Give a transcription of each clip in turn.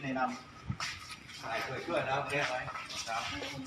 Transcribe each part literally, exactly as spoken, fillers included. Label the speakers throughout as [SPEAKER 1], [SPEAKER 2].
[SPEAKER 1] ในนำถ่ายช่วยช่วยแล้วแก้ไว้ครับ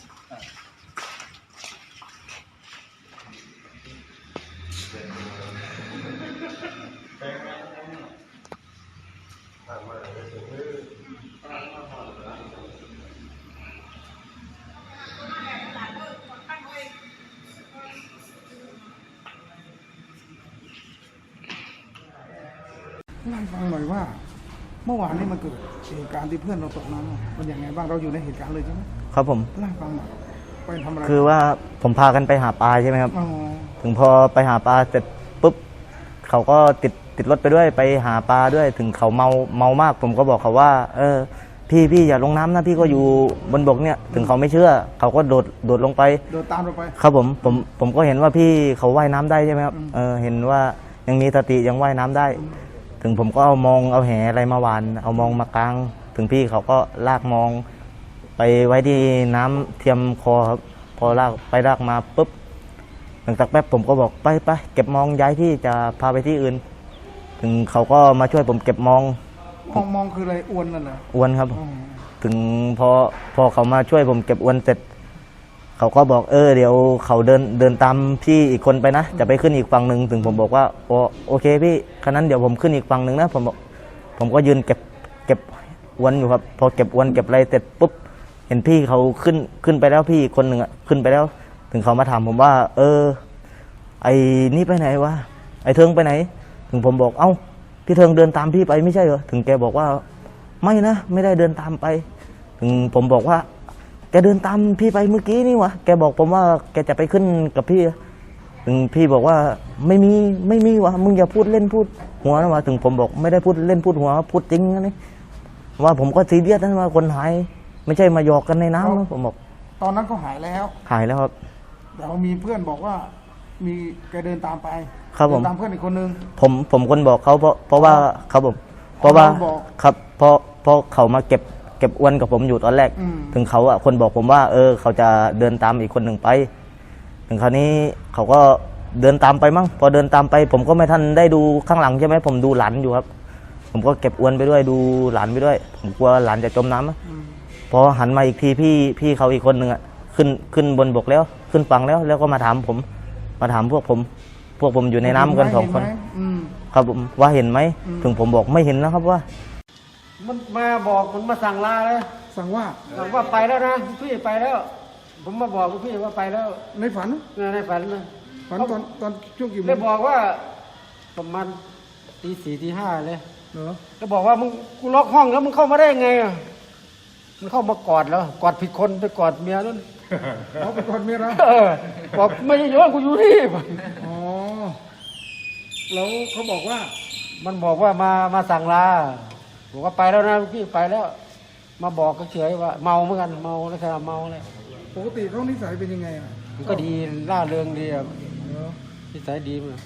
[SPEAKER 2] เล่าให้ฟังหน่อยว่าเมื่อวานนี้มันเกิดเหตุการณ์ที่เพื่อนเราตกน้ำมันอย่างไงบ้างเราอยู่ในเหตุการณ์เลยใช่ไหม
[SPEAKER 3] ครับผม
[SPEAKER 2] เล่าให้ฟังหน่อยไปทำอะไร
[SPEAKER 3] คือว่าผมพากันไปหาปลาใช่ไหมครับถึงพอไปหาปลาเสร็จปุ๊บเขาก็ติดติดรถไปด้วยไปหาปลาด้วยถึงเขาเมาเมามากผมก็บอกเขาว่าเออพี่พี่อย่าลงน้ำนะพี่ก็อยู่บนบกเนี่ยถึงเขาไม่เชื่อเขาก็โดดโดดลงไป
[SPEAKER 2] โดดตามเราไป
[SPEAKER 3] ครับผมผมผมก็เห็นว่าพี่เขาว่ายน้ำได้ใช่ไหมครับเออเห็นว่ายังมีสติยังว่ายน้ำได้ถึงผมก็เอามองเอาแหอะไรมาวานเอามองมากางถึงพี่เขาก็ลากมองไปไว้ที่น้ำเทียมคอครับพอลากไปลากมาปุ๊บหลังจากแป๊บผมก็บอกไปไปเก็บมองย้ายที่จะพาไปที่อื่นถึงเขาก็มาช่วยผมเก็บมอง
[SPEAKER 2] มองมองคืออะไรอวนนั่นเหรอ
[SPEAKER 3] อวนครับถึงพอพอเขามาช่วยผมเก็บอวนเสร็จเขาก็บอกเออเดี๋ยวเขาเดินเดินตามพี่อีกคนไปนะจะไปขึ้นอีกฝั่งหนึ่งถึงผมบอกว่าโอโอเคพี่ขณะนั้นเดี๋ยวผมขึ้นอีกฝั่งหนึ่งนะผมบอกผมก็ยืนเก็บเก็บอวนอยู่ครับพอเก็บอวนเก็บอะไรเสร็จปุ๊บเห็นพี่เขาขึ้นขึ้นไปแล้วพี่คนหนึ่งอ่ะขึ้นไปแล้วถึงเขามาถามผมว่าเออไอ้นี่ไปไหนวะไอ้เทิงไปไหนถึงผมบอกเอ้าพี่เทิงเดินตามพี่ไปไม่ใช่เหรอถึงแกบอกว่าไม่นะไม่ได้เดินตามไปถึงผมบอกว่าแกเดินตามพี่ไปเมื่อกี้นี่วะแกบอกผมว่าแกจะไปขึ้นกับพี่ถึงพี่บอกว่าไม่มีไม่มีวะมึงอย่าพูดเล่นพูดหัวนะวะถึงผมบอกไม่ได้พูดเล่นพูดหัวพูดจริงนะนี่ว่าผมก็ซีเรียสนะว่าคนหายไม่ใช่มาหยอกกันในน้ำนะผมบอก
[SPEAKER 2] ตอนนั้นก็หายแล้ว
[SPEAKER 3] หายแล้วครับ
[SPEAKER 2] เรามีเพื่อนบอกว่ามีแกเดินตามไป
[SPEAKER 3] ครับผม
[SPEAKER 2] ตามเพื่อนอีกคนนึง
[SPEAKER 3] ผมผมคนบอกเขาเพราะเพราะว่าครับผมเพราะว่าครับเพราะเพราะเขามาเก็บเก็บอวนกับผมอยู่ตอนแรกถึงเขาอ่ะคนบอกผมว่าเออเขาจะเดินตามอีกคนหนึ่งไปถึงคราวนี้เขาก็เดินตามไปมั้งพอเดินตามไปผมก็ไม่ทันได้ดูข้างหลังใช่ไหมผมดูหลานอยู่ครับผมก็เก็บอวนไปด้วยดูหลานไปด้วยผมกลัวหลานจะจมน้ำพอหันมาอีกทีพี่พี่เขาอีกคนหนึ่งอ่ะขึ้นขึ้นบนบกแล้วขึ้นฝั่งแล้วแล้วก็มาถามผมมาถามพวกผมพวกผมอยู่ในน้ำกันสองคนครับผมว่าเห็นไหมถึงผมบอกไม่เห็นนะครับว่า
[SPEAKER 4] มันมาบอกมันมาสั่งลาเลย
[SPEAKER 2] สั่งว่า
[SPEAKER 4] สั่งว่าไปแล้วนะพี่ไปแล้วผมมาบอกพี่ว่าไปแล้ว
[SPEAKER 2] ในฝัน
[SPEAKER 4] ในฝันนะ
[SPEAKER 2] ฝันตอนตอนช่วงกี่โมง
[SPEAKER 4] เลยบอกว่าประมาณตีสี่ตีห้าเลย
[SPEAKER 2] เหรอ
[SPEAKER 4] ก็บอกว่ามึงกูล็อกห้องแล้วมึงเข้ามาได้ไงมันเข้ามากอดแล้วกอดผิดคนไปกอดเมียนั่น
[SPEAKER 2] เขาไปกอดเมียแล้ว
[SPEAKER 4] เออบอกไม่ใช่ย้อนกูอยู่นี่
[SPEAKER 2] อ๋อแล้วเขาบอกว่า
[SPEAKER 4] มันบอกว่ามามาสั่งลาบอกว่าไปแล้วนะพี่ไปแล้วมาบอกก็เฉยว่าเมาเหมือนกันเมาแล้วแค่เมาเลย
[SPEAKER 2] ปกติเขานิสัยเป็นยังไงอ่ะ
[SPEAKER 4] มันก็ดีร่าเริงดีอ่ะนิสัยดีมั้ย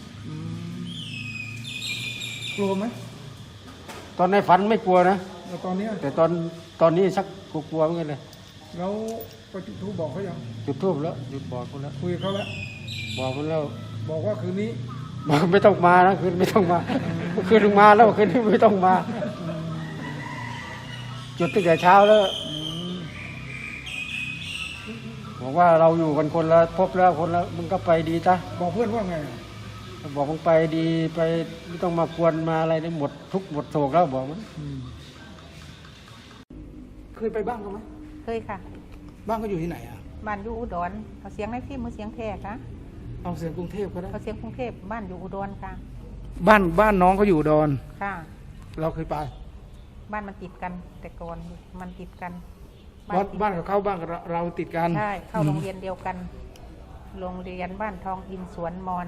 [SPEAKER 2] กลัวไหม
[SPEAKER 4] ตอนในฝันไม่กลัวนะ
[SPEAKER 2] แต่ตอนนี้
[SPEAKER 4] แต่ตอนตอนนี้ชักกลัวเหมือนกันเลย
[SPEAKER 2] แล้วไปจุดธูปบอกเขายัง
[SPEAKER 4] จุดธูปแล้วจุดบอกเขาแล้ว
[SPEAKER 2] คุยเขาแล้ว
[SPEAKER 4] บอกเขาแล้ว
[SPEAKER 2] บอกว่าคืนนี้
[SPEAKER 4] บอกไม่ต้องมานะคืนไม่ต้องมาคืนถึงมาแล้วคืนนี้ไม่ต้องมาจุดตั้งแต่เช้าแล้วบอกว่าเราอยู่กันคนละพบแล้วคนละมึงก็ไปดีจ้ะ
[SPEAKER 2] บอกเพื่อนว่าไง
[SPEAKER 4] บอกมึงไปดีไปไม่ต้องมากวนมาอะไรนี่หมดทุกหมดโศกแล้วบอกมัน
[SPEAKER 2] เคยไปบ้างเขาไหม
[SPEAKER 5] เคยค่ะ
[SPEAKER 2] บ้านก็อยู่ที่ไหนอ่ะ
[SPEAKER 5] บ้านอยู่อุดรเอาเสียงในที่มือเสียงแท้ค่ะ
[SPEAKER 2] เอาเสียงกรุงเทพก็ได้
[SPEAKER 5] เอาเสียงกรุงเทพบ้านอยู่อุดรค่ะ
[SPEAKER 2] บ้านบ้านน้องเขาอยู่อุดร
[SPEAKER 5] ค่ะ
[SPEAKER 2] เราเคยไป
[SPEAKER 5] บ้านมันติดกันแต่ก่อนมันติดกัน
[SPEAKER 2] บ้านบ้านกับเขาบ้านกับเราติดกัน
[SPEAKER 5] ใช่เข้าโรงเรียนเดียวกันโรงเรียนบ้านทองอินสวนมอน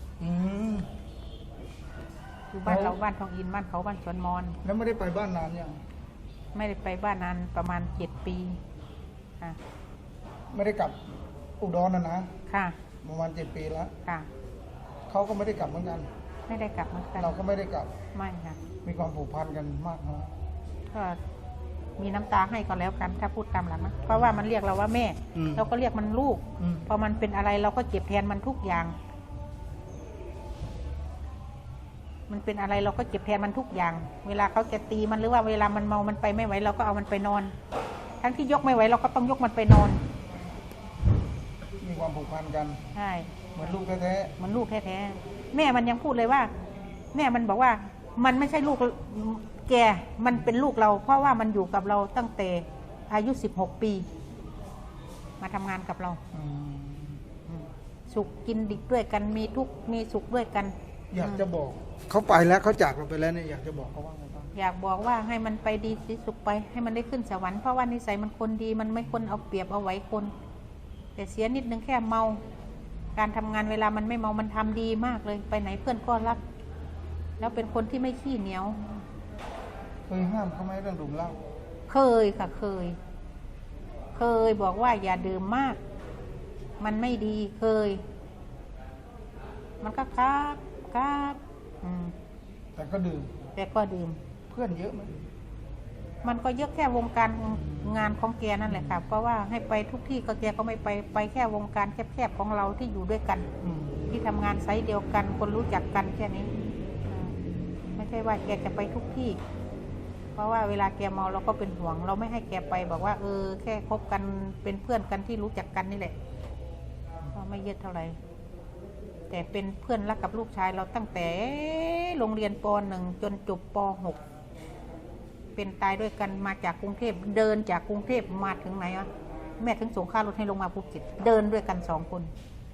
[SPEAKER 5] อยู่บ้านเราบ้านทองอินบ้านเขาบ้านสวนมอน
[SPEAKER 2] แล้วไม่ได้ไปบ้านนานยัง
[SPEAKER 5] ไม่ได้ไปบ้านนานประมาณเจ็ดปีค่ะ
[SPEAKER 2] ไม่ได้กลับอุดรนะนะ
[SPEAKER 5] ค่ะ
[SPEAKER 2] ประมาณเจ็ดปีแล้ว
[SPEAKER 5] ค่ะ
[SPEAKER 2] เขาก็ไม่ได้กลับเหมือนกัน
[SPEAKER 5] ไม่ได้กลับเหมือนกัน
[SPEAKER 2] เราก็ไม่ได้กลับ
[SPEAKER 5] ไม่ค่ะ
[SPEAKER 2] มีความผูกพันกันมากนะ
[SPEAKER 5] ก็มีน้ำตาให้ก็แล้วกันถ้าพูดตามหลังนะเพราะว่ามันเรียกเราว่าแม่เราก็เรียกมันลูกพอมันเป็นอะไรเราก็เจ็บแทนมันทุกอย่างมันเป็นอะไรเราก็เจ็บแทนมันทุกอย่าง เวลาเขาจะตีมันหรือว่าเวลามันเมามันไปไม่ไหวเราก็เอามันไปนอน ทั้งที่ยกไม่ไหวเราก็ต้องยกมันไปนอน
[SPEAKER 2] มีความผูกพันกัน
[SPEAKER 5] ใช่
[SPEAKER 2] เหมือนลูกแท้
[SPEAKER 5] มันลูกแท้ๆแม่มันยังพูดเลยว่า แม่มันบอกว่ามันไม่ใช่ลูกแกมันเป็นลูกเรา เพราะว่ามันอยู่กับเราตั้งแต่อายุสิบหกปี มาทำงานกับเรา
[SPEAKER 2] ๆอืม
[SPEAKER 5] สุขกินดิบด้วยกันมีทุกข์มีสุขด้วยกัน
[SPEAKER 2] อยากจะบอกเขาไปแล้วเขาจากเราไปแล้วเนี่ยอยากจะบอกเขาว่าไงบ้าง
[SPEAKER 5] อยากบอกว่าให้มันไปดีสิสุขไป ให้มันได้ขึ้นสวรรค์เพราะว่านิสัยมันคนดีมันไม่คนเอาเปรียบเอาไว้คน แต่เสียนิดนึงแค่เมา การทำงานเวลามันไม่เมามันทำดีมากเลย ไปไหนเพื่อนก็รัก แล้วเป็นคนที่ไม่ขี้เหนียว
[SPEAKER 2] เคยห้ามเขาไหมเรื่องดื่มเหล้า
[SPEAKER 5] เคยค่ะเคย เคยบอกว่าอย่าดื่มมาก มันไม่ดีเคย มันก็ครับครับอืม
[SPEAKER 2] แต่ก็ดื่ม
[SPEAKER 5] แต่ก็ดื่ม
[SPEAKER 2] เพื่อนเยอะไหม
[SPEAKER 5] มันก็เยอะแค่วงการงานของแกนั่นแหละค่ะ เพราะว่าให้ไปทุกที่ก็แกก็ไม่ไป ไปแค่วงการแคบๆของเราที่อยู่ด้วยกัน
[SPEAKER 2] อืม
[SPEAKER 5] ที่ทำงานไซต์เดียวกัน คนรู้จักกันแค่นี้อ่าไม่ใช่ว่าแกจะไปทุกที่ เพราะว่าเวลาแกเมาเราก็เป็นห่วง เราไม่ให้แกไปบอกว่า เออ แค่คบกันเป็นเพื่อนกันที่รู้จักกันนี่แหละก็ไม่เยอะเท่าไหร่แต่เป็นเพื่อนรักกับลูกชายเราตั้งแต่โรงเรียนป หนึ่ง จนจบป หก เป็นตายด้วยกันมาจากกรุงเทพเดินจากกรุงเทพมาถึงไหนอะแม่ถึงส่งค่ารถให้ลงมาภูเก็ตเดินด้วยกันสองคน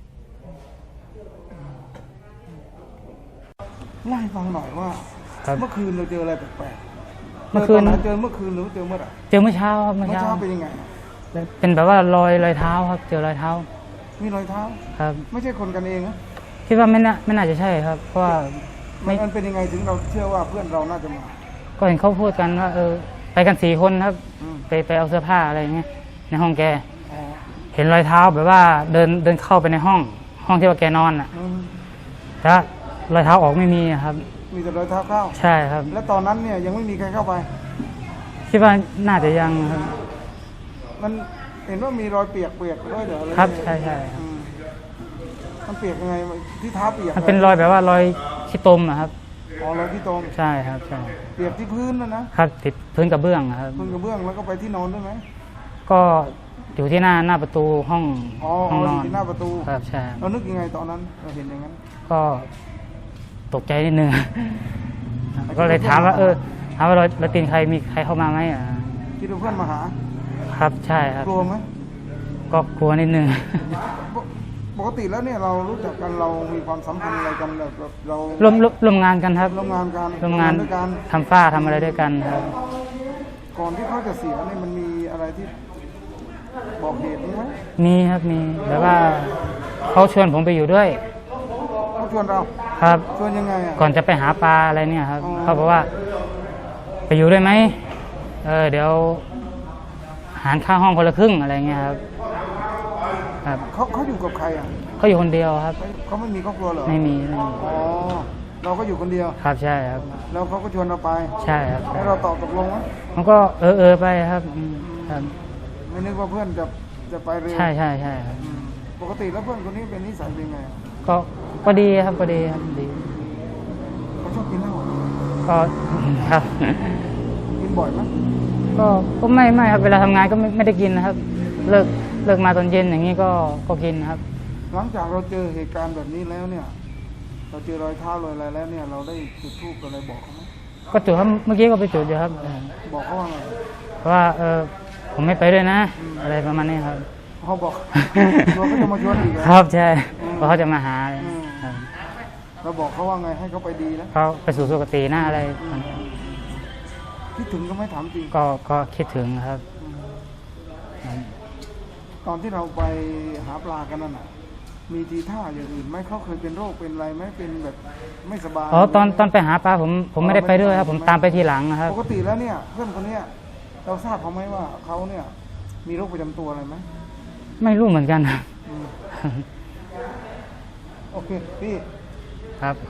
[SPEAKER 2] เล่าให้ฟังหน่อยว่า
[SPEAKER 4] ครับ
[SPEAKER 2] เมื่อคืนเราเจออะไรแปลกๆ
[SPEAKER 4] เมื่อคืน
[SPEAKER 2] จตไหเจอเมื่อคืนหรือเจอเมื่อไหร่
[SPEAKER 4] เจอเมื่อเช้าครับเมื่
[SPEAKER 2] เมื่
[SPEAKER 4] อ
[SPEAKER 2] อ
[SPEAKER 4] เช้า
[SPEAKER 2] เช้าเป็นยังไง
[SPEAKER 4] เป็นแบบว่ารอยรอยเท้าครับ เจอรอยเท้า
[SPEAKER 2] มีรอยเท้า
[SPEAKER 4] ครับ
[SPEAKER 2] ไม่ใช่คนกันเองนะ
[SPEAKER 4] คิดว่าไม่น่าไม่น่าจะใช่ครับ เพราะว่า
[SPEAKER 2] มั
[SPEAKER 4] ไม่
[SPEAKER 2] นมันเป็นยังไงถึงเราเชื่อว่าเพื่อนเราน่าจะมา
[SPEAKER 4] ก็เห็นเขาพูดกันว่า เออ ไปกันสี่คนครับ
[SPEAKER 2] อืม
[SPEAKER 4] ไปไปเอาเสื้อผ้าอะไรอย่างเงี้ยในห้องแก
[SPEAKER 2] อ๋อ
[SPEAKER 4] เห็นรอยเท้าแบบว่าเดินเดินเข้าไปในห้อง ห้องที่ว่าแกนอนอ่ะ
[SPEAKER 2] อืม
[SPEAKER 4] แต่ว่ารอยเท้าออกไม่มีอะครับ
[SPEAKER 2] มีแต่รอยเท้าเข้า
[SPEAKER 4] ใช่ครับ
[SPEAKER 2] และตอนนั้นเนี่ยยังไม่มีใครเข้าไป
[SPEAKER 4] คิดว่าน่าจะยังครับ
[SPEAKER 2] มันเห็นว่ามีรอยเปียกเปียกด้วยเหรอหอ
[SPEAKER 4] ครับ
[SPEAKER 2] ยังไง
[SPEAKER 4] ใช่ใช่ครับ
[SPEAKER 2] อืมมันเปียกยังไงที่เท้าเปียก
[SPEAKER 4] มันเป็นรอยแบบว่ารอยขี้ตมอะครับ
[SPEAKER 2] อ๋อรอยที่ตรง
[SPEAKER 4] ใช่ครับใช่
[SPEAKER 2] เปียกที่พื้นนะนะครับ
[SPEAKER 4] ติดพื้นกระเบื้องอะครับ
[SPEAKER 2] พื้นกระเบื้องแล้วก็ไปที่นอนด้วยไหม
[SPEAKER 4] ก็อยู่ที่หน้าหน้าประตูห้อง
[SPEAKER 2] อ๋อ
[SPEAKER 4] ห้องน
[SPEAKER 2] อ
[SPEAKER 4] อยู่ น
[SPEAKER 2] ที่หน้าประตู
[SPEAKER 4] ครับใช่
[SPEAKER 2] เรานึกยังไงตอนนั้นเราเห็นอย่างนั้น
[SPEAKER 4] ก็ตกใจนิดนึง ก็เลยถามว่า เออถามว่ารอยรอยตีนใครมีใครเข้ามาไหมอ่ะ
[SPEAKER 2] คิดว่าเพื่อนมาหา
[SPEAKER 4] ครับใช่ครับ
[SPEAKER 2] กลัวไหม
[SPEAKER 4] ก็กลัวนิดนึง
[SPEAKER 2] ปกปกติแล้วเนี่ยเรารู้จักกันเรามีความสัมพันธ์อะไรกันแบบแบบเรา
[SPEAKER 4] ร่วมร่วมร่วมงานกันครับ
[SPEAKER 2] ร่วมงานกัน
[SPEAKER 4] ร่วมงาน
[SPEAKER 2] ด้วยกัน
[SPEAKER 4] ทำฝ้าทำอะไรด้วยกันครับ
[SPEAKER 2] ก่อนที่เขาจะเสียเนี่ยมันมีอะไรที่บอกเหตุไหม
[SPEAKER 4] มีครับมีแบบว่าเขาชวนผมไปอยู่ด้วย
[SPEAKER 2] เขาชวนเรา
[SPEAKER 4] ครับ
[SPEAKER 2] ชวนยังไงอ่ะ
[SPEAKER 4] ก่อนจะไปหาปลาอะไรเนี่ยครับ
[SPEAKER 2] อ๋อ
[SPEAKER 4] เขาบอกว่า ไปอยู่ด้วยไหมเออเดี๋ยวหารค่าห้องคนละครึ่งอะไรเงี้ยครับ ครับ
[SPEAKER 2] เขาเขาอยู่กับใครอ่ะ
[SPEAKER 4] เขาอยู่คนเดียวครับ
[SPEAKER 2] เขาไม่มีครอบครัวเหรอ
[SPEAKER 4] ไม่มีไม่มี
[SPEAKER 2] อ๋อเราก็อยู่คนเดียว
[SPEAKER 4] ครับใช่ครับ
[SPEAKER 2] แล้วเขาก็ชวนเราไป
[SPEAKER 4] ใช่ครับใช่
[SPEAKER 2] แล้วเราตอบตกลงไหม
[SPEAKER 4] มันก็เออเออไปครับอืมครับ
[SPEAKER 2] ไม่นึกว่าเพื่อนจะจะไปเร็ว
[SPEAKER 4] ใช่ใช่ใช่ครับ
[SPEAKER 2] อืมปกติแล้วเพื่อนคนนี้เป็นนิสัยเป็นไง
[SPEAKER 4] ก็ก็ดีครับก็ดีครับดี
[SPEAKER 2] เขาชอบกินเหล้า
[SPEAKER 4] ก็ ครับ
[SPEAKER 2] กินบ่อยไหม
[SPEAKER 4] ก็ก็ไม่ไม่ครับเวลาทำงานก็ไม่ไม่ได้กินนะครับ เลิกเลิกมาตอนเย็นอย่างนี้ก็ก็กินครับ
[SPEAKER 2] หลังจากเราเจอเหตุการณ์แบบนี้แล้วเนี่ย เราเจอรอยเท้ารอยอะไรแล้วเนี่ย เราได้จุดธูปอะไรบอกเขาไหม
[SPEAKER 4] ก็จุดครับเมื่อกี้ก็ไปจุดอยู่ครับเออ
[SPEAKER 2] บอกเขาว่าไง
[SPEAKER 4] เพราะว่าเออผมไม่ไปด้วยนะ อะไรประมาณนี้ครับ
[SPEAKER 2] เขาบอก ตัวเขาจะมาชวนอีกเหรอ
[SPEAKER 4] ครับใช่
[SPEAKER 2] อืม
[SPEAKER 4] เพราะเขาจะมาหา
[SPEAKER 2] อืม
[SPEAKER 4] ครับ
[SPEAKER 2] เราบอกเขาว่าไงให้เขาไปดีนะ
[SPEAKER 4] เขาไปสู่สุคติหน้าอะไร
[SPEAKER 2] คิดถึงก็ไม่ถามจริง
[SPEAKER 4] ก็ก็คิดถึงครับ
[SPEAKER 2] ตอนที่เราไปหาปลากันนั่นน่ะ มีทีท่าอย่างอื่นไหมเขาเคยเป็นโรคเป็นอะไรไหมเป็นแบบไม่สบาย
[SPEAKER 4] อ๋อตอนตอนไปหาปลาผมผมไม่ได้ไปด้วยครับ ผมตามไปทีหลังนะครับ
[SPEAKER 2] ปกติแล้วเนี่ยเพื่อนคนเนี้ยเราทราบเขาไหมว่าเขาเนี่ย มีโรคประจำตัวอะไรไหม
[SPEAKER 4] ไม่รู้เหมือนกันครับ
[SPEAKER 2] อืมโอเคพี่
[SPEAKER 4] ครับ